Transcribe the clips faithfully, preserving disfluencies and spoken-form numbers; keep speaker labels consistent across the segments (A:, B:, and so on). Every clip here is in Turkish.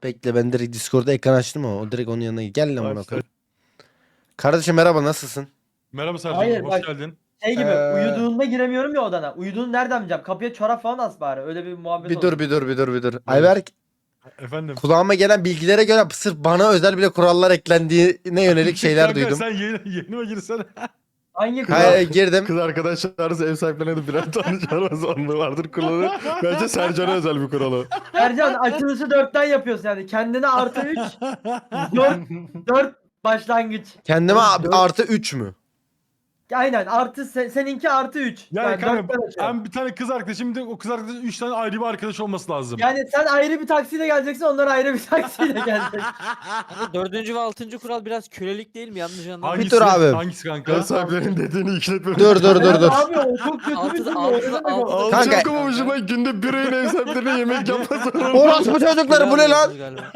A: Bekle ben direkt Discord'da ekran açtım ama o direkt onun yanına gel lan bana
B: Aç,
A: koyayım. Kardeşim merhaba nasılsın?
C: Merhaba Sercan,
D: Hayır
C: hoş
D: bak
C: geldin.
D: şey gibi
A: Ee,
D: uyuduğunda giremiyorum ya odana. Uyuduğunu nereden bileceğim? Kapıya çorap falan as bari. Öyle bir muhabbet
A: Bir
D: olsun.
A: dur bir dur bir dur bir dur. Ayberk
C: Efendim.
A: kulağıma gelen bilgilere göre sırf bana özel bile kurallar eklendiğine yönelik şeyler
C: Kanka,
A: duydum.
C: Sen yeni, yeni mi girsene?
D: Hangi kural?
A: Hayır girdim.
B: Kız arkadaşlarınız ev sahiplerine de birer tane çağırma zorunlu vardır kuralı. Bence Sercan'a özel bir kuralı.
D: Ercan açılışı dörtten yapıyorsun yani. Kendine artı üç. dört, dört başlangıç.
A: Kendime
D: Oğlum, dört-
A: artı üç mü?
D: Aynen artı se- seninki artı üç.
C: Yani,
D: Yani,
C: kanka
D: dörtten açıyorum.
C: ben bir tane kız arkadaşım, bir de o kız arkadaşın üç tane ayrı bir arkadaş olması lazım.
D: Yani sen ayrı bir taksiyle geleceksin, onlar ayrı bir taksiyle gelecek.
E: Ama dördüncü ve altıncı kural biraz kölelik değil mi? Yanlış anlamadım.
C: Hangisi,
A: dur abi.
C: Hangisi kanka?
B: Ev sahiplerinin dediğini ikletmemek.
A: Dur dur dur
D: Evet
A: dur.
D: Abi o çok kötü bir
E: Altı-
D: durum.
E: altı-
D: o ne demek
E: altı-
D: o?
B: Al
A: Kanka-
B: çok ama hoşuma günde bir öğün ev sahiplerine yemek yapması.
A: Orospu çocukları bu ne lan?
E: Galiba.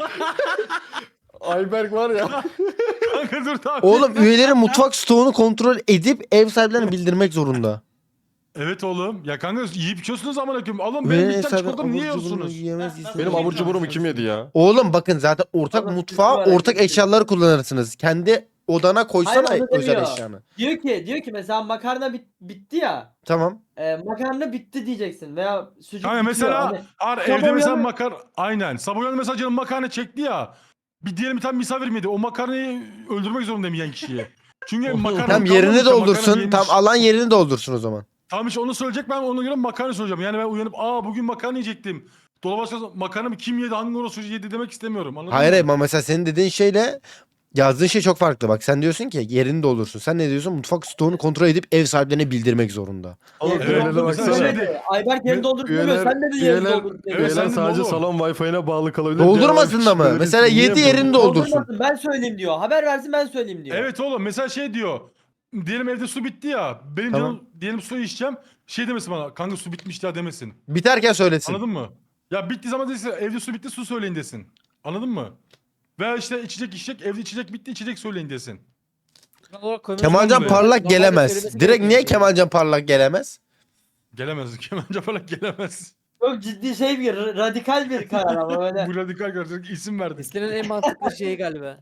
B: Ayberk var ya.
C: Kanka dur tamam.
A: Oğlum üyelerin mutfak stoğunu kontrol edip ev sahiplerine bildirmek zorunda.
C: Evet oğlum. Ya kanka yiyip içiyorsunuz amına koyayım. Oğlum benim
A: Üyelerin
C: bir
A: ev
C: tane
A: sahipleri
C: çikolatamı niye
A: abur cuburunu
C: yiyorsunuz?
A: yiyemez, istemez.
B: Benim abur cuburumu kim yedi ya?
A: Oğlum bakın zaten ortak
D: Oğlum,
A: mutfağa
D: bizim
A: ortak
D: var,
A: eşyaları kullanırsınız. Kendi odana koysana
D: Hayır, onu
A: özel
D: demiyor.
A: eşyanı.
D: Diyor ki diyor ki mesela makarna bit- bitti ya.
A: Tamam.
D: E, makarna bitti diyeceksin veya sucuk
C: Kanka
D: bitiyor.
C: mesela
D: Hani
C: ar,
D: sabah
C: evde mesela
D: uyanır-
C: makar aynen. Sabah uyandı mesela canım makarna çekti ya. Bir diyelim bir tane misafir miydi? O makarnayı öldürmek zorundayım yiyen kişiyi. Çünkü makarna
A: Tam yerini doldursun. Tam alan yerini doldursun o zaman.
C: Tamam işte onu söyleyecek, ben ona göre makarna söyleyeceğim. Yani ben uyanıp aa bugün makarna yiyecektim. Dolaba açarsam makarna mı kim yedi, hangi orası yedi demek istemiyorum. Anladın
A: Hayır
C: mı?
A: ama mesela senin dediğin şeyle yazdığın şey çok farklı. Bak sen diyorsun ki yerini doldursun. Sen ne diyorsun? Mutfak stoğunu kontrol edip ev sahiplerine bildirmek zorunda.
B: Oğlum
D: Yerini
C: Evet,
B: üyelere
D: doldursun
C: mesela
B: baksana.
D: demedi. Ayberk yerini doldursun demiyor. Sen dedin yerini
B: üyeler,
D: doldursun
C: Evet,
D: demiyor.
C: sen
B: üyeler
C: dedin
B: sadece
C: oğlum.
B: salon Wi-Fi'ne bağlı kalabilir.
A: Doldurmasın da mı?
B: Diğer
A: Mesela
B: niye
A: yedi yerini
B: doldurmuyor?
A: doldursun.
D: Doldurmasın, ben söyleyeyim diyor. Haber versin ben söyleyeyim diyor.
C: Evet oğlum mesela şey diyor. Diyelim evde su bitti ya. Benim
A: Tamam.
C: canım diyelim su içeceğim. Şey demesin bana, kanka su bitmiş ya demesin.
A: Biterken söylesin.
C: Anladın mı? Ya bittiği zaman desin evde su bitti, su söyleyin desin. Anladın mı? Veya işte içecek içecek, evde içecek bitti, içecek söyleyin desin.
E: Kural olarak koymak
A: Kemalcan
E: zorunda.
A: Parlak
E: Normalde
A: gelemez.
E: söylemesi
A: Direkt
E: gerekiyor.
A: niye Kemalcan Parlak gelemez?
C: Gelemez. Kemalca falan gelemez.
D: Çok ciddi şey bir radikal bir karar ama böyle.
C: Bu radikal kardeşlik isim verdik.
E: Listenin en mantıklı şeyi galiba.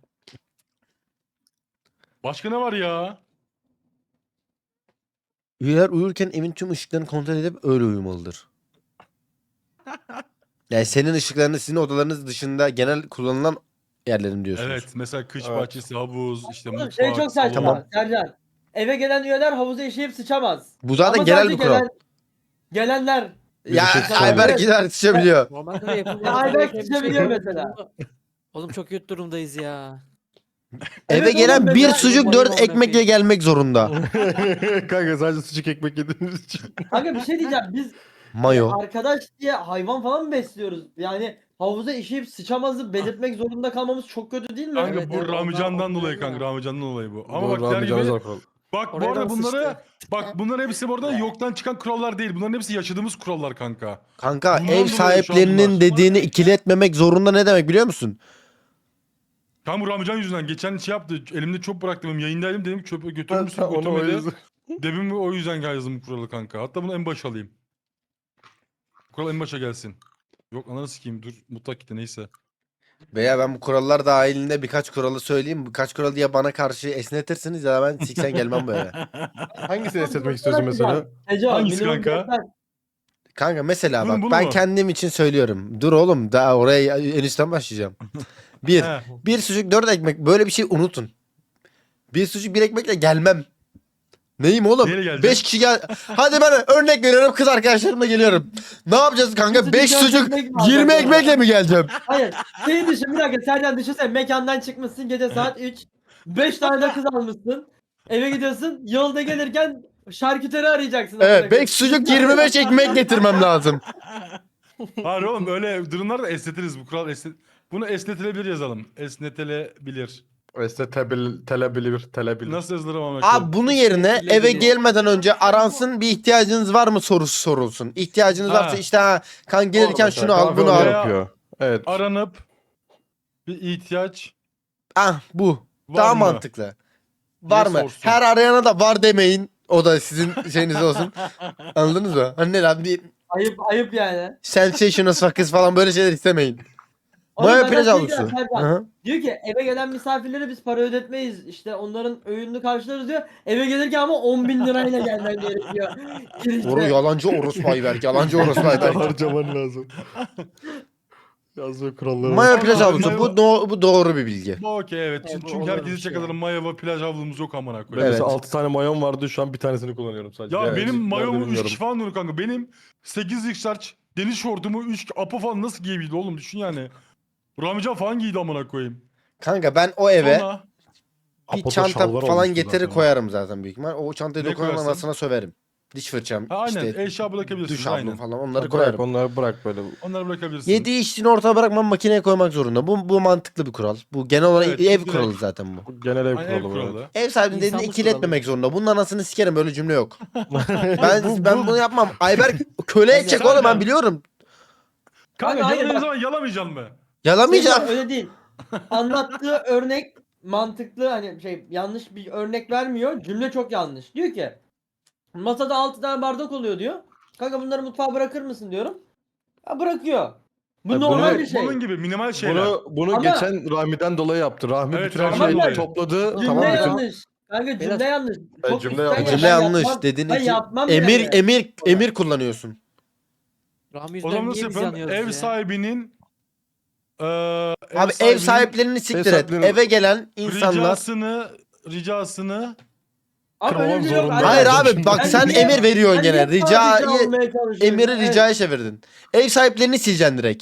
C: Başka ne var ya?
A: Üyeler uyurken evin tüm ışıklarını kontrol edip öyle uyumalıdır. Yani senin ışıklarını sizin odalarınız dışında genel kullanılan yerlerim diyorsunuz.
C: Evet mesela kış
B: Evet.
C: bahçesi, havuz, işte
D: Oğlum
C: mutfak,
D: şey çok saçma.
C: salon.
A: Tamam.
D: Sercan. Eve gelen üyeler havuza işeyip sıçamaz.
A: Bu zaten
D: Ama
A: genel
D: sadece
A: bir kural.
D: gelen- gelenler.
A: Ya
B: Bir şey
A: Ayberk
D: Evet.
A: gider sıçabiliyor.
E: Normalde de yapılması
D: Ya Ayberk
E: gereken bir
D: sıçabiliyor
E: şey.
D: mesela.
E: Oğlum çok kötü durumdayız ya.
A: Eve
D: Evet
A: gelen
D: oğlum,
A: bir
D: mesela-
A: sucuk
E: Bayım
A: dört
E: amına
A: ekmekle
E: koyayım.
A: gelmek zorunda.
B: Kanka sadece sucuk ekmek yediğimiz için.
D: Kanka bir şey diyeceğim. Biz
A: Mayo.
D: arkadaş diye hayvan falan mı besliyoruz? Yani havuza işeyip sıçamazı belirtmek zorunda kalmamız çok kötü değil mi?
C: Kanka
E: Evet,
C: bu
E: evet,
C: Ramican'dan
E: onlar-
C: dolayı
E: onlar
C: kanka,
E: ya.
C: Ramican'dan dolayı bu. Ama
B: Doğru,
C: bak der
B: abi,
C: gibi,
B: canınız kural.
C: bak bu
E: Oraya
C: arada
E: da
C: bunları,
E: sıçtı.
C: bak bunların hepsi bu arada yoktan çıkan kurallar değil. Bunların hepsi yaşadığımız kurallar kanka.
A: Kanka
C: Bundan
A: ev
C: dolayı şu an
A: sahiplerinin
C: bunlar.
A: dediğini ikiletmemek zorunda ne demek biliyor musun?
C: Kanka bu Ramican yüzünden geçen şey yaptı. Elimde çöp bıraktım. Benim yayındaydım, dedim çöpü götürür müsün?
B: Onu o
C: Götürmedi.
B: yüzden.
C: Demin o yüzden yazdım bu kuralı kanka. Hatta bunu en başa alayım. Kural en başa gelsin. Yok ananı sikeyim, dur mutlak gitti neyse.
A: Veya ben bu kurallar dahilinde birkaç kuralı söyleyeyim. Birkaç kuralı ya bana karşı esnetirsiniz ya da ben siksen gelmem böyle.
B: Hangisini esnetmek istiyorsun mesela?
D: Ece,
C: Hangisi
D: minimum
C: kanka?
D: dörtten-
A: Kanka mesela
C: Bunu-
A: bak
C: bunu
A: ben
C: mu?
A: kendim için söylüyorum. Dur oğlum daha oraya en üstten başlayacağım. Bir.
C: He.
A: Bir sucuk dört ekmek böyle bir şey unutun. Bir sucuk bir ekmekle gelmem. Neyim oğlum?
C: Neyle geleceksin?
A: Beş kişi gel. Hadi ben örnek veriyorum kız arkadaşlarımla geliyorum. Ne yapacağız kanka?
D: sucuk,
A: Beş
D: dört
A: sucuk
D: ekmek mi
A: yirmi
D: alacaksın
A: ekmekle mi geleceğim?
D: Hayır. Şey düşün bir dakika Sercan düşünsene mekandan çıkmışsın gece saat üç. beş tane de kız almışsın. Eve gidiyorsun yolda gelirken şarküteri arayacaksın.
A: Evet beş sucuk yirmi beş ekmek getirmem lazım.
C: Hayır oğlum öyle durumlarda esnetiriz, bu kural esnet. Bunu esnetilebilir yazalım. Esnetilebilir.
B: Esnetebil, telebilir, telebilir.
C: Nasıl yazılır ama?
A: Abi bunun yerine
E: Esnetilebilir.
A: eve gelmeden önce aransın bir ihtiyacınız var mı sorusu sorulsun. İhtiyacınız
C: Ha.
A: varsa işte ha kan gelirken
B: Mesela
A: şunu al
B: kahve
A: bunu
B: onu
A: al.
C: Ya-
B: yapıyor. Evet.
C: Aranıp bir ihtiyaç
A: Ah bu.
C: var
A: Daha
C: mı?
A: mantıklı. Var
C: Diye
A: mı?
C: sorsun.
A: Her arayana da var demeyin. O da sizin şeyiniz olsun. Anladınız mı? Hani ne lan bir
D: Ayıp ayıp yani.
A: sensational sakız falan böyle şeyler istemeyin.
D: Oğlum
A: Maya
D: ben
A: plaj
D: şey
A: havlusu.
D: diyorum, Serkan.
A: Hı.
D: Diyor ki eve gelen misafirlere biz para ödetmeyiz. İşte onların öğününü karşılarız diyor. Eve gelirken ama on bin lirayla gelmen gerekiyor. Girişte.
A: Oru yalancı orospu Ayberk. Yalancı orospu Ayberk.
B: Harcaman lazım. Yazma kuralları.
A: Maya
C: Sonra
A: plaj havlusu.
C: Maya-
A: Bu, do- bu doğru bir bilgi.
C: Bu okey evet.
D: Evet,
C: Çünkü,
D: bu
C: çünkü
D: olur
C: herkesi
D: bir şey.
C: çakalalım. Maya ve plaj havlumuz yok amına
B: Ben
C: koyayım.
A: Evet.
B: mesela altı tane mayon vardı, şu an bir tanesini kullanıyorum sadece.
C: Ya
B: Yani
C: benim
B: nerede
C: mayomu üç
B: bilmiyorum.
C: kişi falan diyor kanka. Benim sekiz x deniz şortumu üç apo falan nasıl giyebildi oğlum düşün yani. Ramican falan giydi amına koyayım.
A: Kanka ben o eve
C: Sonra
A: bir
B: Apo'da
A: çanta
B: şalvar
A: falan
B: olmuştu
A: getirir
B: zaten.
A: koyarım zaten büyük ihtimal. O çantayı
C: Ne
A: dokunan
C: koyarsın?
A: anasına söverim. Diş fırçam,
C: ha, aynen
A: işte
C: eşya bırakabilirsiniz
A: duş havlum
C: aynen.
A: falan onları
B: Bırak
A: koyarım.
B: onları, bırak böyle.
C: Onları bırakabilirsiniz.
A: Yedi içtiğini ortaya bırakmam, makineye koymak zorunda. Bu, bu mantıklı bir kural. Bu genel olarak
C: Evet,
A: ev
C: direkt-
A: kuralı zaten bu.
B: Bu genel ev
C: Aynen, ev
B: kuralı.
C: kuralı.
A: Ev sahibinin dediğini
E: İnsanlık
A: ikiletmemek
E: kuralı.
A: zorunda. Bunun anasını sikerim, böyle cümle yok. Ben
B: Bu-
A: ben
B: bu-
A: bunu yapmam. Ayberk köle
E: Ben
A: edecek
C: yapmam.
A: oğlum, ben biliyorum.
C: Kanka
D: Kanka, hayır,
C: yaladığın
D: bak-
C: zaman yalamayacaksın mı?
A: Yalamayacağım.
D: Senin öyle değil. Anlattığı örnek mantıklı, hani şey, yanlış bir örnek vermiyor. Cümle çok yanlış. Diyor ki masada altı tane bardak oluyor diyor. Kanka bunları mutfağa bırakır mısın diyorum. Ha, bırakıyor. Bu
B: Ya
D: normal
B: bunu-
D: bir şey.
C: Bunun gibi minimal şeyler.
B: Bunu bunu
D: Ama-
B: geçen Rahmi'den dolayı yaptı. Rahmi
C: Evet,
B: bütün her
C: Rahmi'den
B: şeyi
C: dolayı.
B: topladı.
D: Cümle
B: Tamam bütün
D: yanlış. Kanka cümle
E: Beyler-
D: yanlış.
B: Ben
D: Çok
B: cümle
D: içten
B: yanlış.
D: ya,
A: Cümle
D: ben
A: yanlış
D: yapmam-
A: dediğin
D: ben
A: için
D: yapmam
A: emir
D: yani.
A: emir emir kullanıyorsun.
E: Rahmi
C: O
E: yüzünden
C: zaman nasıl
E: niye biz
C: yapalım?
E: yanıyoruz
C: Ev
E: ya?
C: sahibinin eee
A: Abi ev
C: sahibinin
A: sahiplerini siktir et.
B: sahiplerinin-
A: Eve gelen insanlar.
C: ricasını ricasını
D: Abi öyle
B: Kırmamam
D: bir şey yok.
B: zorunda.
A: Hayır
B: Ben
A: abi
B: şimdi-
A: bak
D: Ben
A: sen
D: niye-
A: emir veriyorsun
D: Ben
A: gene.
D: niye sadece
A: Ricayı
D: almaya çalışıyorum?
A: emiri
D: Evet.
A: ricaya çevirdin. Ev sahiplerini sileceksin direkt.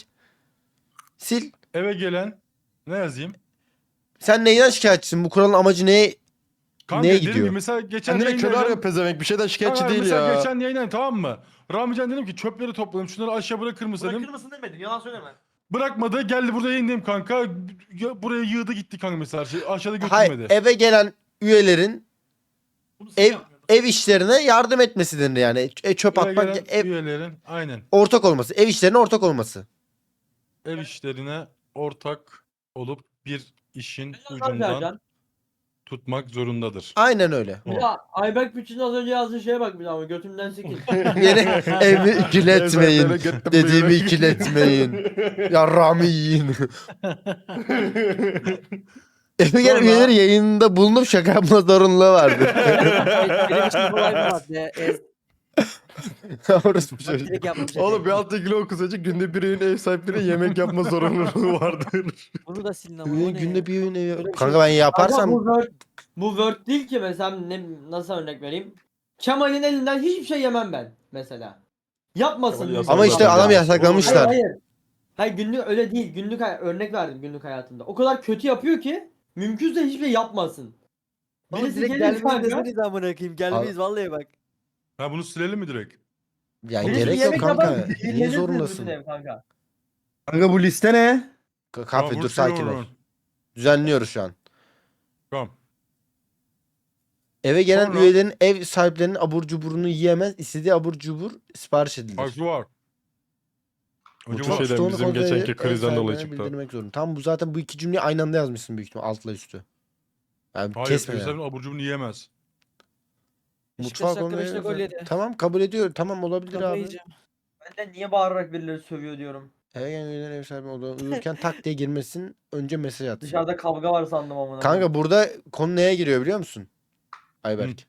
A: Sil.
C: eve gelen ne yazayım?
A: Sen neyden şikayetçisin? Bu kuralın amacı ne?
C: Kanka
A: Neye
C: dediğim
A: gidiyor?
C: gibi mesela geçen
B: Kendine köle
C: yayınladım.
B: arıyor pezevenk. Bir şeyden şikayetçi
C: Kanka
B: değil
C: mesela
B: ya.
C: geçen yayınladım tamam mı? Ramican dedim ki çöpleri topladım şunları aşağı bırakır mısın dedim.
F: Bırakır mısın demedin, yalan söyleme.
C: Bırakmadı geldi burada yayınlayayım kanka. Ya- Buraya yığdı gitti kanka mesela şey aşağıda
A: Hayır,
C: götürmedi.
A: eve gelen üyelerin
F: Bunu sen
A: ev
F: yapmıyordun.
A: ev işlerine yardım etmesi denir yani. E, çöp
C: Buraya
A: atmak,
C: gelen
A: ev,
C: üyelerin aynen
A: ortak olması. Ev işlerine ortak olması.
C: ev işlerine ortak olup bir işin
D: Tabii
C: ucundan
D: Sercan.
C: tutmak zorundadır.
A: Aynen öyle.
D: Bir daha Ayberk Bütçü'nün az önce yazdığı şeye bak bir daha ama götümden sikil.
A: Beni evi ikiletmeyin.
B: Ev sahiplerine
A: Dediğimi
B: götüm
A: ikiletmeyin. Yarrağımı yiyin. Eve gelen
C: Sonra-
A: üyeleri yayında bulunup şaka yapma zorunluluğu vardır.
E: Benim için kolay bir madde. Ez,
A: Orası bu çocuk.
E: direkt yapmış.
B: Oğlum bir altıncı okusacak günde bir evin ev sahipleri yemek yapma zorunluluğu vardır.
E: Bunu da silin ama.
A: Üye
E: o ne
A: günde
E: ya?
A: bir öğün evi.
E: Öyle bir
A: Kanka
E: şey-
A: ben
D: Ama
A: yaparsam
D: bu Word, bu Word değil ki mesela, ne, nasıl örnek vereyim? Kemal'in elinden hiçbir şey yemem ben mesela. Yapmasın.
B: Kemal
D: günlük
B: yasak
A: ama işte
B: zaten
A: adam
B: ya.
A: yasaklamışlar.
D: Hayır hayır. Hayır günlük öyle değil. Günlük hay- örnek verdim günlük hayatında. O kadar kötü yapıyor ki mümkünse hiçbir şey yapmasın.
E: Oğlum
D: Birisi
E: direkt
D: gelir
E: gelmeyiz
D: kanka.
E: deseniz amına koyayım. Gelmeyiz vallahi bak.
C: Ha bunu silelim mi direkt?
A: Yani
D: Birisi
A: gerek yok
D: yemek
A: kanka.
D: yapar,
A: Niye
D: gelirsiniz
A: zorundasın?
D: bütün ev kanka.
G: Kanka bu liste ne?
A: Ka- Kahve
C: Tamam,
A: dur sakin ol.
C: vuruyorum.
A: Düzenliyoruz şu an.
C: Tamam.
A: Eve gelen
C: Sonra-
A: üyelerin ev sahiplerinin abur cuburunu yiyemez. İstediği abur cubur sipariş edilir.
C: Bak var. Önce
B: Bu
C: var.
B: şeyden
A: Stoğunu
B: bizim
A: kontrol
B: geçenki
A: edip ev
B: krizden dolayı
A: sahibine
B: çıktı.
A: bildirmek zorunda. Tam bu zaten bu iki cümleyi aynı anda yazmışsın büyük ihtimal altla üstü. Yani
C: Hayır,
A: kesme
C: Fevzi'nin
A: yani.
C: abur cubunu yiyemez.
A: Mutfağa
E: dakika,
A: koymayı-
E: beş dakika gol yedi.
A: Tamam kabul ediyor. Tamam olabilir
E: Kafayı
A: abi.
E: yiyeceğim.
D: Ben de niye bağırarak birileri sövüyor diyorum.
A: Eve gelen üyelerin ev sahibi olduğu uyurken tak diye girmesin. Önce mesaj atsın.
D: Dışarıda kavga var sandım amına.
A: Kanka burada konu neye giriyor biliyor musun? Ayberk.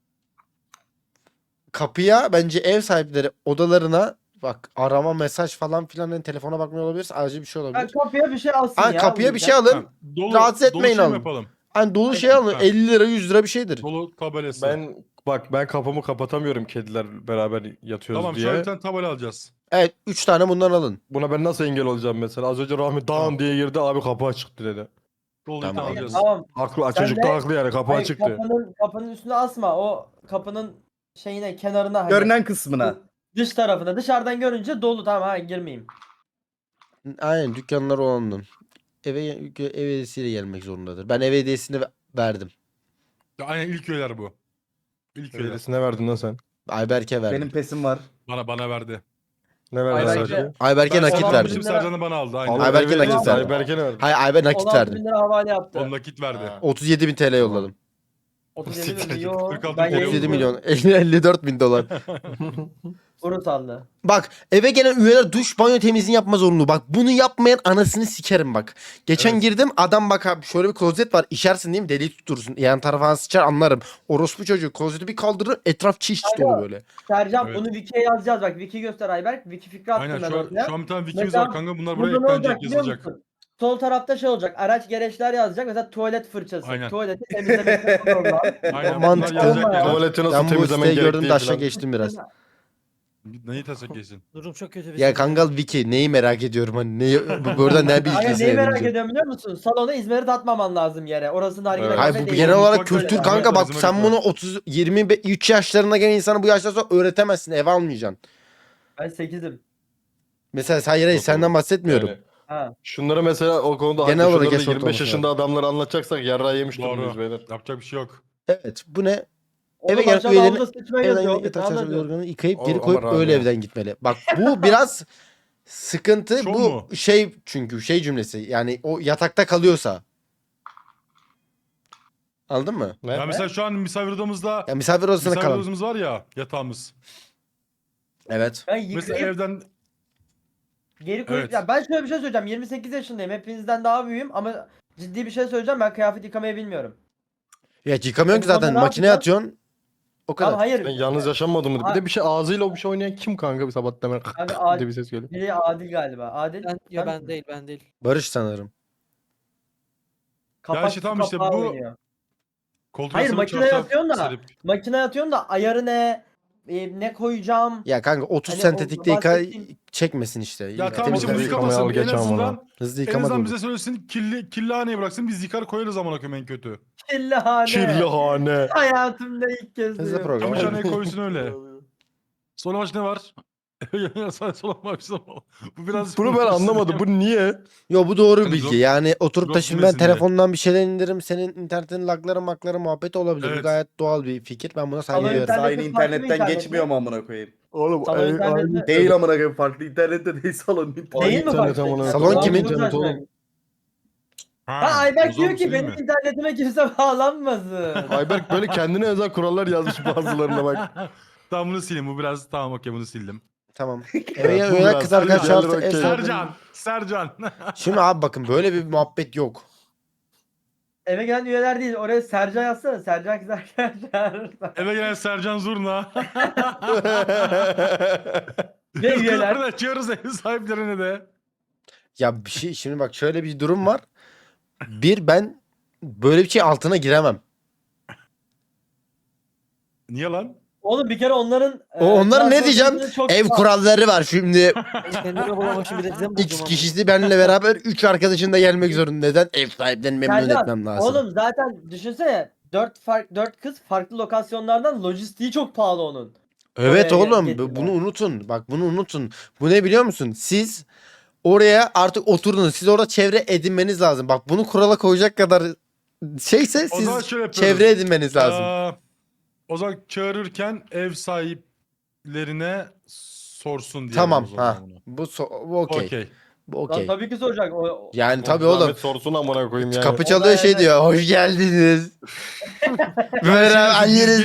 A: Kapıya bence ev sahipleri odalarına bak arama mesaj falan filan hani telefona bakmıyor olabilirse acil bir şey
D: Ben
A: olabilir.
D: kapıya bir şey alsın
A: Hani
D: ya.
A: kapıya bir
D: uyurken.
A: şey alın.
C: Ha, dolu,
A: Rahatsız
C: dolu
A: etmeyin
C: şey mi
A: alın.
C: yapalım?
A: Hani dolu şey alın.
C: Ha.
A: elli lira yüz lira bir şeydir.
C: Dolu tabelası.
B: Ben bak ben kapımı kapatamıyorum kediler beraber yatıyoruz
C: Tamam
B: diye.
C: şöyle bir tane tabela alacağız.
A: Evet üç tane bundan alın.
B: Buna ben nasıl engel olacağım mesela? Az önce Rahmi dağın
C: Tamam.
B: diye girdi abi kapı açıktı dedi.
C: Dolu
A: Tamam.
C: tamam.
D: Hayır,
C: alacağız.
D: tamam.
B: Haklı
D: Sen
B: çocuk
D: de-
B: da haklı yani kapı
D: Hayır,
B: açıktı.
D: kapının, kapının üstüne asma. O kapının şeyine, kenarına hani.
G: Görünen kısmına.
D: Dış tarafına. Dışarıdan görünce dolu, tamam ha girmeyeyim.
A: Aynen dükkanlar olanın. Eve ev hediyesiyle gelmek zorundadır. Ben ev hediyesini ve- verdim.
C: Ya, aynen ilk üyeler bu. İlk üyeler.
B: Öylesine verdin lan sen.
A: Ayberk'e verdim.
G: Benim pesim var.
C: Bana bana verdi.
B: Ne verdin
D: Ayberk'e-
B: sadece?
A: Ayberk'e
C: Ben
A: nakit
C: Sercan
A: verdim.
C: bizim Sercan'ı bana aldı. Aynen.
B: Allah
A: Ayberk'e
B: evet,
A: nakit
B: Ayberk'e
A: verdim.
B: ne verdin?
A: Hayır Ayber nakit
D: on altı
A: verdim.
D: bin lira havale yaptı.
C: O nakit verdi.
A: otuz yedi bin T L yolladım.
D: otuz yedi
C: Siktir git,
D: milyon.
C: kırk altı
D: Ben
C: milyon.
A: otuz yedi
D: yayın
A: milyon. elli dört bin dolar.
D: Urusallı.
A: Bak eve gelen üyeler duş banyo temizliğini yapma zorunlu. Bak bunu yapmayan anasını sikerim bak. Geçen
C: Evet.
A: girdim adam bak abi şöyle bir klozet var. İşersin değil mi? Deliği tutturursun. Yan tarafa sıçar anlarım. Orospu çocuğu klozeti bir kaldırır etraf çiş çiş dolu böyle.
D: Sercan
C: Evet.
D: bunu Wiki'ye yazacağız bak. Wiki göster Ayberk. Wiki fikri attım
C: Aynen
D: ben
C: şu an,
D: ortaya.
C: şu an bir tane wikimiz
D: Mesela
C: var kanka. Bunlar buraya
D: Burada ne olacak
C: eklenecek,
D: biliyor
C: yazılacak.
D: musun? Sol tarafta şey olacak. Araç gereçler yazacak. Mesela tuvalet fırçası.
C: Aynen.
D: Tuvaleti temizlemek program.
C: Aynen
A: Mantıklı.
C: bunlar yazacak.
D: Olma ya.
C: yazar.
B: Tuvaleti nasıl
A: Ben bu
B: temizlemen
A: siteyi gördüm
B: gerektiği
A: de aşağı
B: falan.
A: geçtim biraz.
C: Neyi tasak geçsin?
E: Durum çok kötü bir
A: Ya
E: şey.
A: Kangal Wiki neyi merak ediyorum hani neyi, bu- burada ne
D: Aynen
A: bilgisi
D: neyi merak
A: edineceğim?
D: ediyorum biliyor musun? Salona İzmir'i atmaman lazım yere. Orası nargile
B: Evet.
A: Hayır
D: kafe
A: bu
D: değil.
A: genel olarak
C: Mutfak
A: kültür
C: böyle.
A: kanka bak
C: Bizim
A: sen
C: mutfak.
A: bunu otuz yirmi üç yaşlarına gelen insana bu yaştan sonra öğretemezsin eve almayacaksın.
D: Ben sekizim.
A: Mesela hayır hayır
B: Yok
A: senden
B: oğlum.
A: bahsetmiyorum.
B: Yani
D: Ha.
B: şunlara mesela o konuda
A: Genel
B: haklı.
A: olarak
B: Şunları da
A: yaş
B: yirmi beş
A: ortalaması
B: yaşında adamlara anlatacaksak yarrağı yemiş
C: Doğru.
B: durumdayız beyler.
C: Yapacak bir şey yok.
A: Evet bu ne?
D: Oğlum
A: Eve gelen
D: aşağıda
A: üyelerin
D: havuza sıçmaya
A: evden
D: yazıyor.
A: gidip
D: Hobbit, ne
A: yatak çarşafı
D: anlatıyorsun?
A: yorganı yıkayıp
B: O-
A: geri
B: ama
A: koyup
B: rahat
A: öyle
B: ya.
A: evden gitmeli. Bak bu biraz sıkıntı
C: Şov
A: bu
C: mu?
A: şey çünkü şey cümlesi yani o yatakta kalıyorsa. Anladın mı?
B: Ne?
C: Ya mesela şu an misafir odamızda
A: Ya misafir odasına
C: misafir
A: kalan.
C: odamız var ya, yatağımız.
A: Evet.
D: Ben
C: Mesela
D: yıkayıp
C: evden
D: geri koyup
C: Evet.
D: ya ben şöyle bir şey söyleyeceğim. yirmi sekiz yaşındayım. Hepinizden daha büyüğüm ama ciddi bir şey söyleyeceğim. Ben kıyafet yıkamayı bilmiyorum.
A: Ya yıkamıyorsun ki
D: Telefonda
A: zaten
D: ne
A: makineye
D: yapacağım?
A: atıyorsun. O
D: Tamam
A: kadar.
D: hayır.
B: Sen yalnız yaşanmadın mı? Bir
D: Ha-
B: de bir şey ağzıyla o bir şey oynayan kim kanka bir sabah hemen
D: Abi Adil,
B: diye bir ses geliyor.
D: biri Adil galiba. Adil.
E: Ben, ya
D: sen
E: ben
D: misin?
E: değil ben değil.
A: Barış sanırım.
D: Kapak
C: işte tamam
D: su
C: işte
D: kapağı
C: bu-
D: oynuyor.
C: koltuk
D: Hayır,
C: altına
D: makineye
C: çarşaf
D: atıyorsun da.
C: serip-
D: Makineye atıyorsun da ayarı ne? E, ne koyacağım?
A: Ya kanka otuz
D: Hani o
A: sentetikte yıka
D: bahsettiğim-
A: çekmesin işte.
C: Ya
A: Yıka-
C: tamam işte
A: temizle.
C: bunu
B: Yıkamayı
C: yıkamasın.
B: al
C: En
B: geç ama
C: azından,
B: onu.
A: Hızlı
C: en
A: yıkama
C: azından
A: da
C: bize
A: olur.
C: söylesin kirli, kirlihaneye bıraksın biz yıkar koyarız amına koyayım en kötü.
D: Kirlihane.
B: Kirlihane.
D: Hayatımda ilk kez
A: Hızlı
D: duyuyorum.
A: program.
C: Çamaşırhaneye koysun öyle. Son maç ne var? Son maç bu biraz
B: Bunu ben anlamadım. Bu niye?
A: Yo bu doğru bir
C: Hani
A: bilgi.
C: drop-
A: Yani oturup da
C: drop
A: şimdi ben
C: yemesin diye.
A: telefondan bir şeyler indiririm. Senin internetin lagları makları muhabbeti olabilir. Bu
C: Evet.
A: gayet doğal bir fikir. Ben buna saygı
D: Ama
A: duyuyorum.
D: internet-
G: Aynı
D: farklı bir
G: internetten
D: internet
G: geçmiyor
D: mi?
G: mu amına koyayım?
B: Oğlum
D: Salon
B: ay-
D: interneti-
G: Değil amına koyayım, farklı internette değil, salon internet.
D: Değil mi
B: internet
D: farklı?
B: amına
A: Salon
B: koyayım.
A: kimin?
B: İnternet oğlum.
D: Ha Ayberk
C: o zaman
D: diyor ki
C: söyleyeyim
D: benim
C: mi?
D: internetime kimse bağlanmasın.
B: Ayberk böyle kendine özel kurallar yazmış bazılarına bak.
C: Tamam bunu sileyim. Bu biraz tamam okey bunu sildim.
A: Tamam. Eve
B: bu
A: öyle
B: biraz-
A: kız arkadaş
B: bu
A: çağırsa
B: yerler
A: ev
B: okey.
A: sahibi-
C: Sercan. Sercan.
A: Şimdi abi bakın böyle bir muhabbet yok.
D: Eve gelen üyeler değil. Oraya Sercan yazsana. Sercan kız arkadaşlar.
C: Eve gelen Sercan Zurna.
D: Ve üyeler.
C: Kızlarını açıyoruz ev sahiplerine de.
A: Ya bir şey şimdi bak şöyle bir durum var. Bir ben böyle bir şey altına giremem.
C: Niye lan?
D: Oğlum bir kere onların...
A: O onların ne diyeceğim?
D: Çok
A: Ev kuralları var şimdi.
E: Kendime bulamışım bir de size mi
A: X
E: bulacağım
A: kişisi benimle beraber üç arkadaşın da gelmek zorunda. Neden? Ev sahiplerini memnun
D: Sercan,
A: etmem lazım.
D: Oğlum zaten düşünsene. Dört fark dört kız farklı lokasyonlardan, lojistiği çok pahalı onun.
A: Evet
D: oraya
A: oğlum
D: getirme.
A: bunu unutun. Bak bunu unutun. Bu ne biliyor musun? Siz oraya artık oturdunuz. Siz orada çevre edinmeniz lazım. Bak bunu kurala koyacak kadar şeyse
C: O zaman
A: siz
C: şöyle yapıyoruz.
A: çevre edinmeniz lazım.
C: Aa, o zaman çağırırken ev sahiplerine sorsun diye.
A: Tamam ha. Bu so- bu okey.
C: Okey.
A: Bu
D: Lan
A: okey.
D: tabii ki soracak. O,
A: Yani tabii
B: Zahmet
A: oğlum.
B: sorsun amına koyayım yani.
A: Kapı
D: O
A: çalıyor
D: da
A: şey
D: evet.
A: diyor. Hoş geldiniz. Böyle anneniz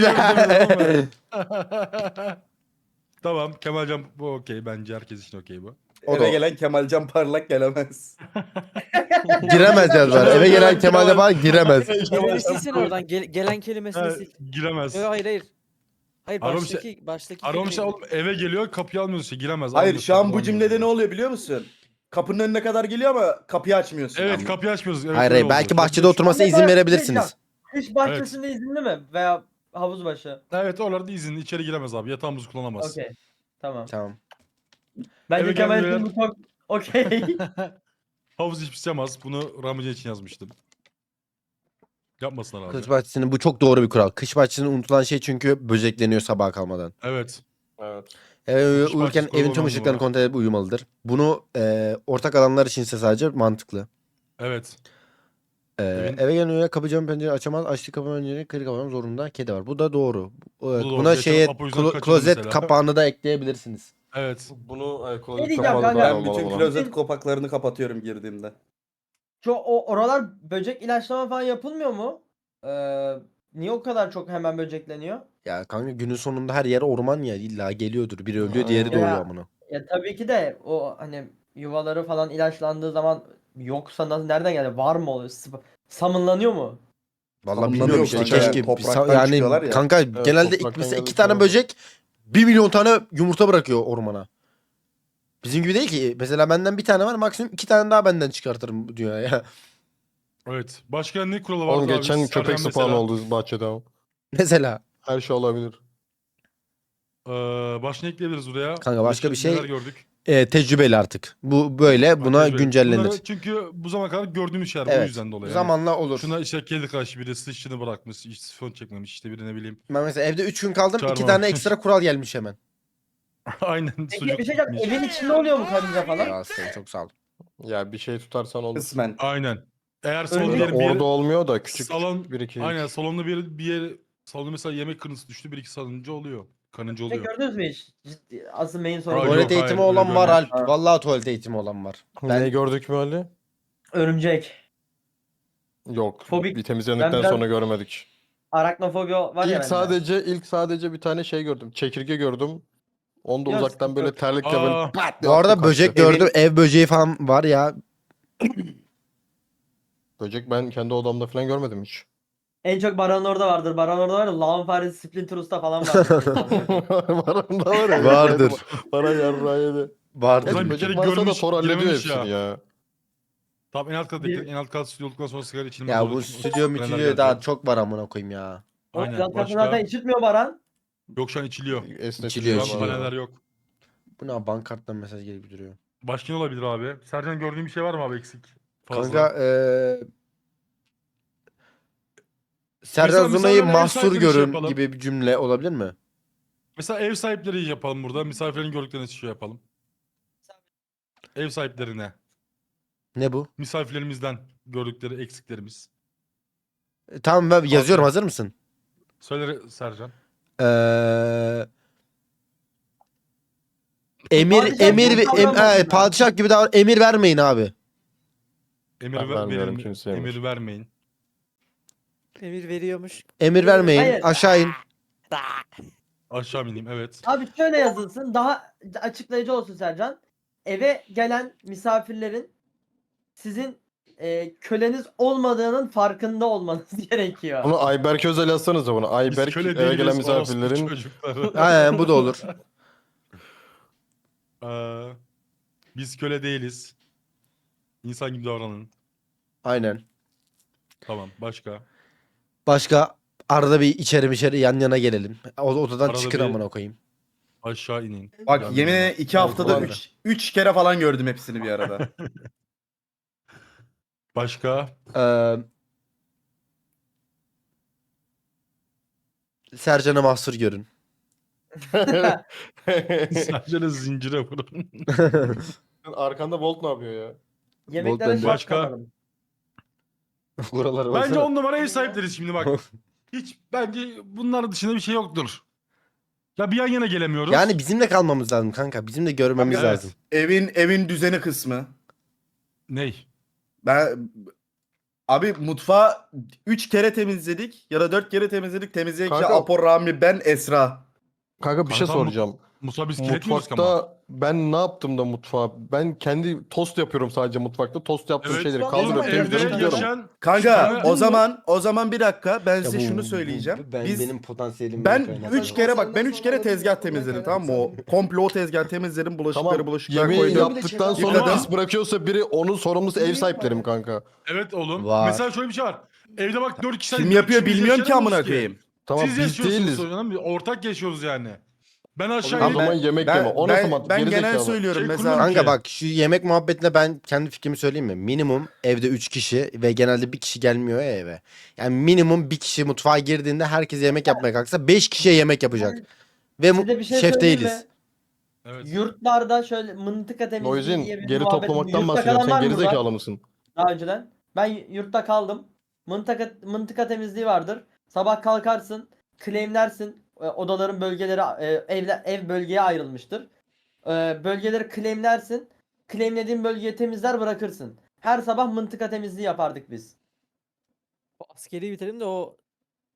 C: Tamam Kemalcan bu okey bence herkes için okey bu.
A: O da
G: Eve
A: o.
G: gelen Kemalcan Parlak gelemez.
A: Giremez yazdılar. Eve gelen Kemal Yapar giremez.
E: Kelimeni silsene oradan. Gel- gelen kelimesini
C: Ha,
E: sil.
C: giremez.
E: Yok hayır hayır. Hayır
C: Aram
E: baştaki baştaki
C: Aramış
E: kelimeyi-
C: oğlum eve geliyor kapıyı almıyorsun işte giremez.
G: Hayır,
C: almıyorsun,
G: şu an bu
C: kullanmıyorsun.
G: cümlede ne oluyor biliyor musun? Kapının önüne kadar geliyor ama kapıyı açmıyorsun.
C: Evet
G: Ama.
C: kapıyı açmıyoruz. Evet,
A: Hayır
C: öyle
A: hayır belki
C: oldu.
A: bahçede oturmasına izin verebilirsiniz.
D: Kış bahçesinde izinli mi? Veya havuz başı.
C: Evet oralarda izinli içeri giremez abi yatağımızı kullanamaz.
D: Okey. Tamam.
A: Tamam.
D: Bence
C: Eve
D: Kemal
C: gelmeyen-
D: için bu çok okey.
C: Havuz hiç pislemez. Bunu Ramice için yazmıştım. Yapmasınlar abi.
A: Kış bahçesinin bu çok doğru bir kural. Kış bahçesinin unutulan şey çünkü böcekleniyor sabaha kalmadan.
C: Evet.
B: Evet.
A: Eve
C: Kış
A: uyurken
C: bahçesi
A: evin tüm
C: kurulu
A: ışıklarını
C: olan
A: kontrol edip uyumalıdır. Bunu e, ortak alanlar içinse sadece mantıklı.
C: Evet.
A: E,
C: Evin-
A: Eve gelen üye kapı camı pencere açamaz. Açtığı kapı pencereyi kırık kapatmak zorunda. Kedi var. Bu da doğru. Bu-
C: da doğru.
A: Buna
C: Geçen
A: şeye
C: Apo yüzünden
A: klo-
C: kaçırdı
A: klozet
C: mesela.
A: kapağını da ekleyebilirsiniz.
C: Evet.
B: Bunu e,
D: Ne
B: klozet
D: diyeceğim
B: kapalı
D: kanka?
B: da
G: Ben
B: olmalı
G: bütün
B: olan.
G: klozet kapaklarını kapatıyorum girdiğimde.
D: Şu o oralar böcek ilaçlama falan yapılmıyor mu? Ee, niye o kadar çok hemen böcekleniyor?
A: Ya kanka günün sonunda her yer orman ya. İlla geliyordur. Biri ölüyor, diğeri
B: Ya.
A: doğuyor amına.
D: Ya tabii ki de o hani yuvaları falan ilaçlandığı zaman yoksa nasıl nereden geldi? Var mı oluyor? Sp- Summonlanıyor mu?
A: Vallahi
G: Ama
A: bilmiyorum
G: bilmiyorum
A: işte
G: kanka,
A: keşke
G: yani
A: bir sa-
G: topraktan çıkıyorlar
A: yani
G: ya.
A: kanka
B: Evet,
A: genelde
B: topraktan
A: mesela iki
B: geldiği
A: tane
B: için
A: böcek bir milyon tane yumurta bırakıyor ormana. Bizim gibi değil ki. Mesela benden bir tane var, maksimum iki tane daha benden çıkartırım bu dünyaya.
C: Evet. Başka ne kuralı var
B: Oğlum
C: abi?
B: geçen
C: Sercan
B: köpek spawn
C: mesela.
B: oldu bahçede ama.
A: Mesela.
B: Her şey olabilir.
C: Ee, başka ne ekleyebiliriz buraya?
A: Kanka başka bir şey-
C: Neler gördük?
A: E, tecrübeli artık. Bu böyle buna
C: Tecrübe.
A: güncellenir.
C: Bunları çünkü bu zamana kadar gördüğümüz şeyler. Bu
A: Evet.
C: yüzden dolayı. Yani
A: Zamanla olur.
C: şuna işte kedi kaşı biri sıçını bırakmış, hiç sifon çekmemiş, işte biri ne bileyim.
A: Ben mesela evde üç gün kaldım. iki
C: Çağırma.
A: tane ekstra kural gelmiş hemen.
C: Aynen
D: Peki
C: sucuk
D: bir şey diyeceğim.
C: gitmiş.
D: Evin içinde oluyor mu karınca falan?
A: Ya sen çok sağ ol.
B: Ya bir şey tutarsan olur.
G: Kısmen.
C: Aynen. Eğer salon
D: Örneğin
C: diyelim bir
B: Orada
C: yere,
B: olmuyor da küçük
C: salon,
B: küçük bir iki.
C: aynen salonda bir, bir yer, salonda mesela yemek kırıntısı düştü, bir iki salınca oluyor. Kanınca
D: Şey
C: oluyor.
D: gördünüz mü hiç? Ciddi, asıl main sorun.
C: Aa,
D: bu.
C: yok,
A: Tuvalet eğitimi
C: hayır, öyle
A: olan var
C: görmedik.
A: Alp. Vallahi tuvalet eğitimi olan var. Ben
B: Ne gördük mü Ali?
D: Örümcek.
B: Yok.
D: Fobik.
B: Bir temizlendikten
D: Ben biraz-
B: sonra görmedik.
D: Araknofobi var ya
B: İlk
D: bende.
B: sadece ilk sadece bir tane şey gördüm. Çekirge gördüm. Onu da
D: Yok,
B: uzaktan
D: sıkıntı
B: böyle
D: yok.
B: terlikle
C: Aa.
B: böyle pat diye
A: bu arada
B: attım,
A: böcek
B: kaçtı.
A: gördüm. Ev böceği falan var ya.
B: Böcek ben kendi odamda falan görmedim hiç.
D: En çok Baran orada vardır. Baran orada var ya. Lağım faresi Splinter Usta falan vardır.
B: Var onda var ya.
A: Vardır.
B: Bana yarrağı yedi.
A: Vardır.
C: Ulan bir
B: Böcek
C: kere
B: varsa da
C: görmüş,
B: Thor hallediyor
C: girememiş
B: hepsini
C: ya.
B: ya.
C: Tamam, en alt kat
D: Bir-
C: bekle. En alt kat stüdyo olduktan sonra sigara içilmez.
A: Ya
C: orada
A: bu
C: çünkü
A: stüdyo
C: frenler
A: mütüdyo
C: gelecek.
A: daha çok var amına koyayım ya.
D: O
C: Aynen.
D: yan tarafı
C: Başka?
D: zaten içilmiyor Baran.
C: Yok, şu an içiliyor.
B: Esnetici
A: İçiliyor,
B: var
C: Şu an
A: içiliyor.
C: paneler yok.
A: Bu ne, bankarttan mesaj gelip duruyor.
C: Başka ne olabilir abi? Sercan gördüğün bir şey var mı abi eksik? Fazla.
A: Kanka eee Serdar
C: Mesela
A: Zuna'yı
C: misafirlerle ev
A: mahsur
C: sahipleri şey
A: görün
C: yapalım.
A: gibi bir cümle olabilir mi?
C: Mesela ev sahipleri yapalım burada. Misafirlerin gördüklerini şey yapalım. Ev sahiplerine.
A: Ne bu?
C: Misafirlerimizden gördükleri eksiklerimiz.
A: E, tamam ben yazıyorum, hazır mısın?
C: Söyle Sercan.
A: Eee Emir
D: Padişah
A: emir
D: gibi
A: ve em,
D: davranmasınlar.
A: e, padişah gibi davran, emir vermeyin abi.
C: Emir
B: Ben
C: ver,
B: vermiyorum
C: verin,
B: kimseye
C: emir
B: emir.
C: vermeyin.
E: Emir veriyormuş.
A: Emir vermeyin.
D: Hayır.
A: Aşağı in.
C: Aşağı ineyim, evet.
D: Abi şöyle yazılsın. Daha açıklayıcı olsun Sercan. Eve gelen misafirlerin sizin e, köleniz olmadığının farkında olmanız gerekiyor.
B: Bunu Ayberk Özel yazsanız da bunu.
C: Biz
B: Ayberk
C: köle
B: eve
C: değiliz,
B: gelen
C: orospu
B: misafirlerin
C: çocukları.
A: Aynen, bu da olur.
C: Ee, biz köle değiliz. İnsan gibi davranın.
A: Aynen.
C: Tamam, başka.
A: Başka arada bir içeri içeri yan yana gelelim. O odadan
C: Arada
A: çıkın
C: bir-
A: amına koyayım.
C: Aşağı inin.
G: Bak
C: Yani-
G: yemin iki
A: Tamam,
G: haftada
A: kullandı.
G: üç, üç kere falan gördüm hepsini bir arada.
C: Başka.
A: Eee Sercan'ı mahsur görün.
C: Sercan'ı zincire vurun.
B: Arkanda Bolt ne yapıyor ya?
D: Yemeklere
A: bende.
D: şart
C: Başka?
D: katalım.
A: Buralara
C: Bence
A: baksana.
C: on numara ev sahipleriz şimdi bak. Hiç bence bunlar dışında bir şey yoktur. Ya bir yan yana gelemiyoruz.
A: Yani bizimle kalmamız lazım kanka. Bizim de görmemiz
C: Evet.
A: lazım.
G: Evin evin düzeni kısmı.
C: Ney?
G: Ben abi mutfağı üç kere temizledik ya da dört kere temizledik. Temizleyen kişi
B: Kanka-
G: Apo, Rami, ben, Esra.
B: Kanka bir şey
C: Kanka, mut-
B: soracağım.
C: Musa biz kiretmiyoruz ama.
B: Mutfakta ben ne yaptım da mutfağa? Ben kendi tost yapıyorum sadece mutfakta. Tost yaptığım
C: Evet.
B: şeyleri
D: Oğlum,
B: kaldırıp
D: evde
B: temizliyorum
C: Evde
B: gidiyorum.
C: yaşayan
G: Kanka
C: Sana-
G: o zaman o zaman bir dakika ben size
A: Ya bu-
G: şunu
A: bu-
G: söyleyeceğim.
A: bu- ben,
G: Biz
A: benim potansiyelim
G: ben üç
A: kere
G: kere bak ben üç kere tezgah temizledim, tamam mı? O komple o tezgah temizledim, bulaşıkları
B: Tamam.
G: bulaşıklara
B: Yemeği
G: koydum.
B: yaptıktan sonra
G: Yıkadım.
B: pis bırakıyorsa biri onun sorumlusu ev sahiplerim kanka.
C: Evet oğlum.
A: Var.
C: Mesela şöyle bir şey var. Evde bak dört kişi.
G: Kim yapıyor
C: ikimiz
G: bilmiyorum ki
C: yaşayamıyoruz
G: amına koyayım.
B: Tamam
C: Siz
B: biz
C: yaşıyorsunuz
B: değiliz.
C: o zaman. Ortak yaşıyoruz yani. Ben aşağı
B: O
C: inip
B: zaman yemek yeme. O
G: ben,
B: nasıl mantık?
G: ben
B: Geri
G: genel
B: zekalı.
G: söylüyorum
C: Şey
G: mesela.
C: kurmamış.
A: Kanka
C: Okey.
A: bak, şu yemek muhabbetine ben kendi fikrimi söyleyeyim mi? Minimum evde üç kişi ve genelde bir kişi gelmiyor ya eve. Yani minimum bir kişi mutfağa girdiğinde herkes yemek yapmaya kalksa beş kişiye yemek yapacak. Ve mu-
D: Size bir şey
A: şef
D: söyleyeyim
A: değiliz.
D: mi?
C: Evet.
D: Yurtlarda şöyle mıntıka temizliği
B: Noizin
D: diye bir
B: geri
D: muhabbet-
B: toplamaktan
D: Yurtta
B: bahsediyorum.
D: kalan var
B: Sen
D: mı
B: geri
D: burada?
B: zekalı mısın?
D: Daha önceden. Ben yurtta kaldım. Mıntıka, mıntıka temizliği vardır. Sabah kalkarsın, claimlersin. E, Odaların bölgeleri, e, evler, ev bölgeye ayrılmıştır. E, Bölgeleri claimlersin. Claimlediğin bölgeyi temizler bırakırsın. Her sabah mıntıka temizliği yapardık biz.
E: O askeri bitirelim de o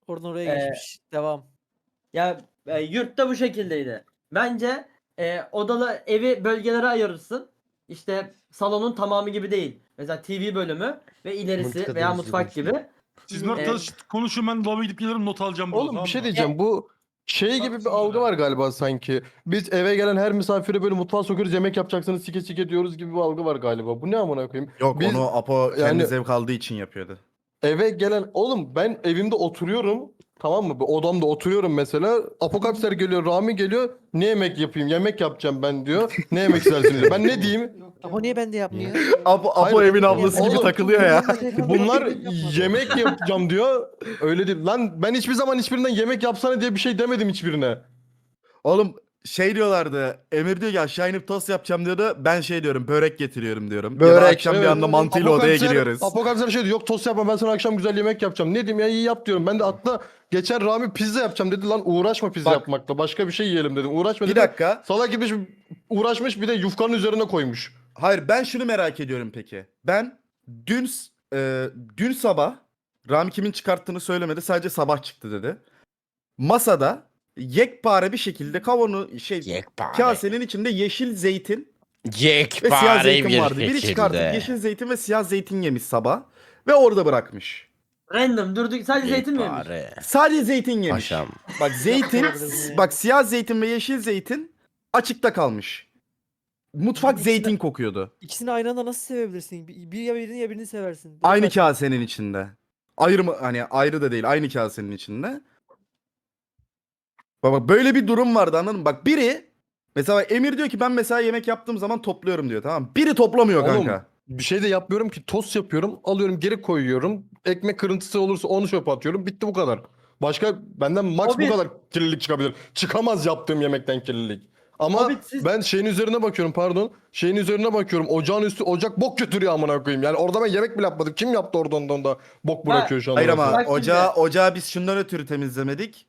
E: Oradan oraya
D: Ee,
E: geçmiş. Devam.
D: Ya e, yurtta bu şekildeydi. Bence e, odalı evi bölgelere ayırırsın. İşte salonun tamamı gibi değil. Mesela T V bölümü ve ilerisi
A: Mıntıka
D: veya
A: temizliği
D: mutfak
A: konuşuyor.
D: gibi.
C: Siz bunlar
D: Ee,
C: tartış- konuşun, ben lavaboya gidip gelirim, not alacağım burada.
B: Oğlum
C: tamam
B: bir şey
C: mı?
B: diyeceğim. Bu şey gibi bir
C: Baksana
B: algı
C: ya.
B: var galiba sanki. Biz eve gelen her misafire böyle mutfağa sokuyoruz, yemek yapacaksınız, sike sike diyoruz gibi bir algı var galiba. Bu ne amına koyayım?
G: Yok
B: Biz
G: onu Apo kendi
B: yani-
G: zevk aldığı için yapıyordu.
B: eve gelen oğlum ben evimde oturuyorum. Tamam mı? Bir odamda oturuyorum mesela. Apokapsler geliyor, Rami geliyor. Ne yemek yapayım? Yemek yapacağım ben diyor. Ne yemek istersin diyor. Ben ne diyeyim?
E: Ama niye ben de yapmıyor?
G: Apo, Apo
B: Hayır,
G: evin ablası gibi
B: oğlum.
G: takılıyor ya.
B: Bunlar yemek yapacağım diyor. Öyle değil. Lan ben hiçbir zaman hiçbirinden yemek yapsana diye bir şey demedim hiçbirine.
G: Oğlum şey diyorlardı. Emir diyor ki aşağı inip tost yapacağım diyordu. Ben şey diyorum börek getiriyorum diyorum. Ya da
A: Börek,
G: akşam bir
B: evet.
G: anda mantıyla odaya
B: Apokapsler-
G: giriyoruz.
B: Apokapsler şey diyor. Yok tost yapma ben sana akşam güzel yemek yapacağım. Ne diyeyim ya iyi yap diyorum. Ben de atla geçen Rami pizza yapacağım dedi. Lan uğraşma pizza
G: Bak.
B: yapmakla. Başka bir şey yiyelim dedim. Uğraşma
G: Bir
B: dedim.
G: dakika.
B: Salak gitmiş uğraşmış bir de yufkanın üzerine koymuş.
G: Hayır ben şunu merak ediyorum peki. Ben dün s- e, dün sabah Rami kimin çıkarttığını söylemedi. Sadece sabah çıktı dedi. Masada yekpare bir şekilde kavanoz şey
A: Yekpare.
G: kasenin içinde yeşil zeytin ve
A: Yekpare
G: siyah zeytin
A: bir
G: vardı. Biri
A: şekilde.
G: çıkartıp yeşil zeytin ve siyah zeytin yemiş sabah ve orada bırakmış.
D: Random durduk sadece zeytin mi yemiş?
A: Yekpare.
G: Sadece zeytin yemiş.
A: Paşam.
G: Bak zeytin,
E: Yapabilirim ya.
G: bak siyah zeytin ve yeşil zeytin açıkta kalmış. Mutfak
E: İkisine-
G: zeytin kokuyordu.
E: İkisini aynı anda nasıl sevebilirsin? Bir bir ya birini ya birini seversin. Direkt
G: Aynı
E: aç-
G: kasenin içinde. Ayrı mı hani ayrı da değil aynı kasenin içinde. Baba böyle bir durum vardı anladın mı? Bak biri mesela Emir diyor ki ben mesela yemek yaptığım zaman topluyorum diyor tamam mı? Biri toplamıyor
B: Oğlum,
G: kanka.
B: Bir şey de yapmıyorum ki tost yapıyorum. Alıyorum geri koyuyorum. Ekmek kırıntısı olursa onu çöpe atıyorum. Bitti bu kadar. Başka benden max
D: O bir-
B: bu kadar kirlilik çıkabilir. Çıkamaz yaptığım yemekten kirlilik. Ama
D: O bir siz-
B: ben şeyin üzerine bakıyorum pardon. Şeyin üzerine bakıyorum. Ocağın üstü ocak bok götürüyor amına koyayım. Yani orada ben yemek bile yapmadım. Kim yaptı orada ondan da bok
D: Ha,
B: bırakıyor şu an.
G: Hayır
B: orası.
G: ama
D: Bak şimdi-
G: ocağı, ocağı biz şundan ötürü temizlemedik.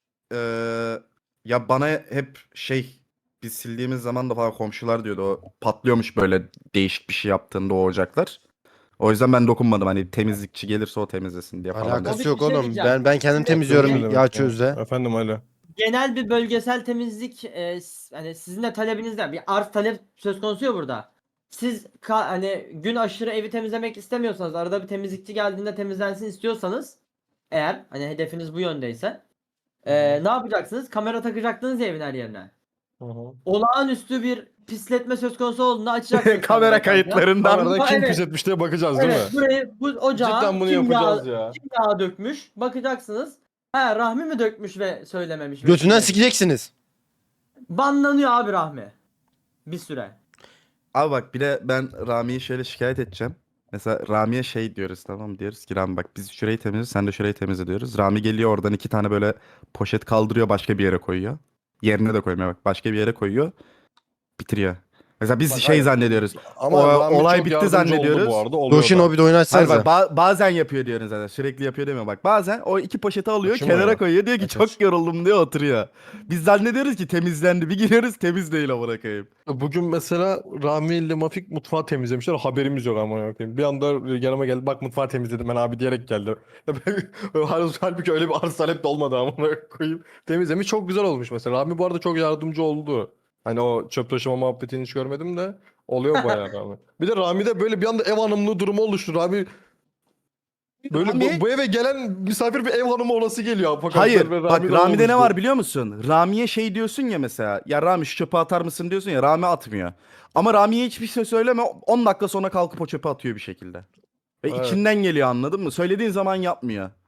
G: Ee, ya bana hep şey biz sildiğimiz zaman da falan komşular diyordu o patlıyormuş böyle değişik bir şey yaptığında o ocaklar. O yüzden ben dokunmadım hani temizlikçi gelirse o temizlesin diye falan.
A: Alakası
D: Abi
A: yok
D: bir şey
A: oğlum.
D: diyeceğim.
A: Ben ben kendim
D: Şimdi-
A: temizliyorum
B: Ne demek
A: yağ
B: ya?
A: çözde.
B: Efendim öyle.
D: Genel bir bölgesel temizlik e, s- hani sizin de talebinizden bir arz talep söz konusu ya burada. Siz ka- hani gün aşırı evi temizlemek istemiyorsanız arada bir temizlikçi geldiğinde temizlensin istiyorsanız eğer hani hedefiniz bu yöndeyse e, ne yapacaksınız? Kamera takacaktınız ya evin her yerine.
B: Hı hı.
D: Olağanüstü bir pisletme söz konusu olduğunda açacaksınız.
G: Kamera
D: kamerayı kanka.
G: kayıtlarından.
B: Kameradan kim
D: Evet.
B: pis etmiş diye bakacağız değil
D: Evet
B: mi?
D: burayı bu ocağa
B: Cidden bunu
D: kim,
B: yapacağız
D: yağ,
B: ya.
D: kim yağ dökmüş bakacaksınız. Ha Rahmi mi dökmüş ve söylememiş.
A: Götünden
D: Mesela.
A: sikeceksiniz.
D: Banlanıyor abi Rahmi. Bir süre.
G: Abi bak bir de ben Rami'yi şöyle şikayet edeceğim. Mesela Rami'ye şey diyoruz tamam mı? Diyoruz ki Rami bak biz şurayı temizliyoruz sen de şurayı temizle diyoruz. Rami geliyor oradan iki tane böyle poşet kaldırıyor başka bir yere koyuyor. Yerine de koymuyor bak başka bir yere koyuyor. Bitiriyor. Mesela biz
B: Bak,
G: şey
B: hayır.
G: zannediyoruz.
B: Ama
G: O-
B: Rami
G: olay
B: çok
G: bitti
B: yardımcı
G: zannediyoruz.
B: oldu bu arada. oluyor
A: Doşin
B: da.
A: o bir de
G: Hayır
A: oynatsanıza.
G: bak ba- bazen yapıyor diyoruz zaten. Sürekli yapıyor demiyor bak. Bazen o iki poşeti alıyor
B: Açayım mı
G: kenara
B: ya?
G: koyuyor diyor ki
B: Aç,
G: çok
B: aç.
G: yoruldum diyor oturuyor. Biz zannediyoruz ki temizlendi. Bir giriyoruz temiz değil amına koyayım.
B: Bugün mesela Rami ile Mafik mutfağı temizlemişler. Haberimiz yok ama koyayım. Bir anda yanıma geldi. Bak mutfağı temizledim ben abi diyerek geldi. Halbuki öyle bir arz talep de olmadı ama koyayım. Temizlemiş çok güzel olmuş mesela. Rami bu arada çok yardımcı oldu. Hani o çöp taşıma muhabbetini hiç görmedim de oluyor bayağı Rami. Bir de Rami'de böyle bir anda ev hanımlığı durumu oluştu. Rami böyle
G: Rami-
B: bu, bu eve gelen misafir bir ev hanımı olası geliyor. Apokapsler
G: Hayır
B: ve
G: bak
B: Rami'den
G: Rami'de ne
B: oluştu.
G: var biliyor musun? Rami'ye şey diyorsun ya mesela. Ya Rami şu çöpe atar mısın diyorsun ya. Rami atmıyor. Ama Rami'ye hiçbir şey söyleme. on dakika sonra kalkıp o çöpe atıyor bir şekilde. Ve
B: Evet.
G: içinden geliyor anladın mı? Söylediğin zaman yapmıyor.